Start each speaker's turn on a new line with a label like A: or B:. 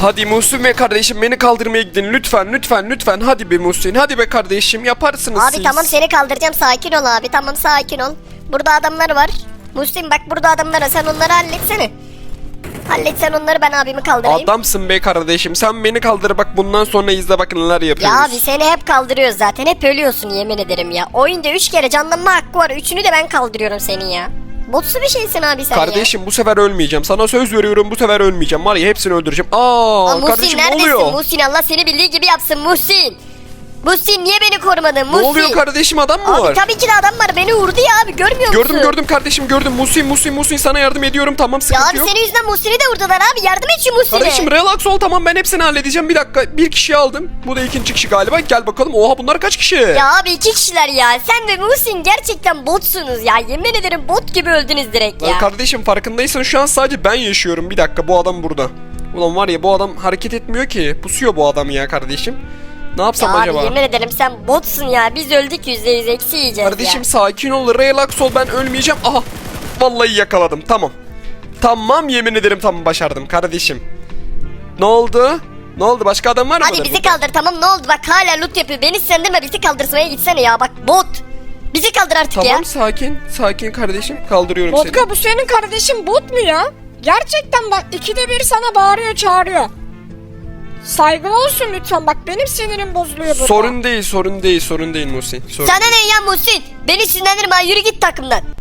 A: Hadi Muhsin ve kardeşim beni kaldırmaya gidin lütfen lütfen lütfen. Hadi be Muhsin, hadi be kardeşim, yaparsınız
B: Abi
A: siz.
B: tamam seni kaldıracağım, sakin ol abi, tamam sakin ol. Burada adamlar var. Muhsin bak burada adamlar var, sen onları halletsene. Halletsen onları, ben abimi kaldırayım.
A: Adamsın be kardeşim, sen beni kaldır bak, bundan sonra izle bak neler yapıyoruz.
B: Ya abi seni hep kaldırıyoruz zaten, hep ölüyorsun yemin ederim ya. Oyunda 3 kere canlanma hakkı var, 3'ünü de ben kaldırıyorum senin ya. Botsu bir şeysin abi sen ya.
A: Kardeşim bu sefer ölmeyeceğim, sana söz veriyorum, bu sefer ölmeyeceğim, var ya hepsini öldüreceğim.
B: Aa, Muhsin
A: kardeşim ne
B: neredesin?
A: oluyor?
B: Muhsin Allah seni bildiği gibi yapsın Muhsin. Muhsin niye beni korumadın
A: Ne
B: Muhsin?
A: oluyor kardeşim, adam mı
B: Abi
A: var?
B: tabii ki de adam var, beni vurdu ya abi, görmüyor musun?
A: Gördüm kardeşim, gördüm. Muhsin sana yardım ediyorum, tamam,
B: Ya
A: sıkıntı
B: abi
A: yok.
B: senin yüzünden Muhsin'i de vurdular abi, yardım et şu Muhsin'e.
A: Kardeşim relax ol, tamam, ben hepsini halledeceğim, bir dakika. Bir kişiyi aldım, bu da ikinci kişi galiba, gel bakalım. Oha, bunlar kaç kişi?
B: Ya abi 2 kişiler ya, sen ve Muhsin gerçekten botsunuz ya, yemin ederim bot gibi öldünüz direkt ya.
A: Kardeşim farkındaysan şu an sadece ben yaşıyorum, bir dakika, bu adam burada. Ulan var ya, bu adam hareket etmiyor ki, pusuyor bu adam ya kardeşim. Ne yapsam
B: Ya
A: acaba?
B: abi yemin ederim sen botsun ya, biz öldük %100 eksi yiyeceğiz
A: Kardeşim
B: ya.
A: sakin ol, relax ol, ben ölmeyeceğim. Aha, vallahi yakaladım, tamam. Tamam, yemin ederim, tamam, başardım kardeşim. Ne oldu? Ne oldu, başka adam var mı?
B: Hadi bizi kaldır, tamam, ne oldu bak hala loot yapıyor, beni sendirme, bizi kaldırsmaya gitsene ya, bak bot. Bizi kaldır artık ya.
A: Tamam, sakin kardeşim, kaldırıyorum seni.
C: Vodka, bu senin kardeşin bot mu ya? Gerçekten bak, ikide bir sana bağırıyor çağırıyor. Saygılı olsun lütfen, bak benim sinirim bozuluyor burada.
A: Sorun değil Muhsin. Sorun
B: Sana ne ya Muhsin, beni sinirlendirme, yürü git takımdan.